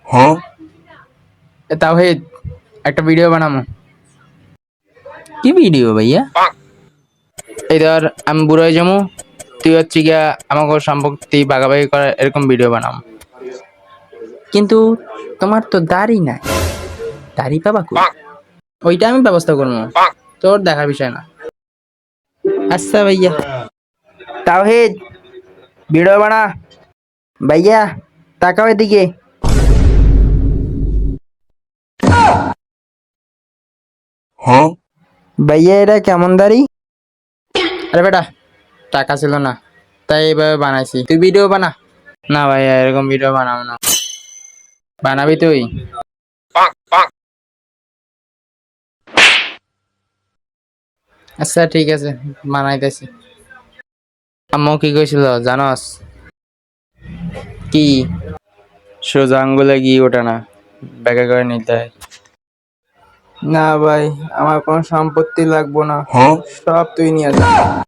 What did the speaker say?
তাওহিদ, একটা ভিডিও বানাবো। কি ভিডিও ভাইয়া? এই ধর আমি বুড়ো হয়ে যাবো, তুই হচ্ছে গিয়া আমাকে সম্পত্তি ভাগাভাগি করার এরকম ভিডিও বানাবো। কিন্তু তোমার তো দাড়ি নাই, দাড়ি পাবা কই? ওইটা আমি ব্যবস্থা করবো, তোর দেখার বিষয় না। আচ্ছা ভাইয়া। তাওহিদ, ভিডিও বানা। ভাইয়া তাকাও এদিকে। ভাইয়া এটা কেমন দাড়ি? আরে বেটা, টাকা ছিল না তাই এইভাবে বানাইছি, তুই ভিডিও বানা। না ভাইয়া, এরকম ভিডিও বানাবো না। বানাবি তুই? আচ্ছা ঠিক আছে, বানাইতেছি। আম্মু কি কইছিল জানস? কি? সোজা আঙ্গুলে গি ওঠে না, ব্যাগে করে নিতে হয়। না ভাই, আমার কোনো সম্পত্তি লাগবো না, সব তুই নিয়ে যা।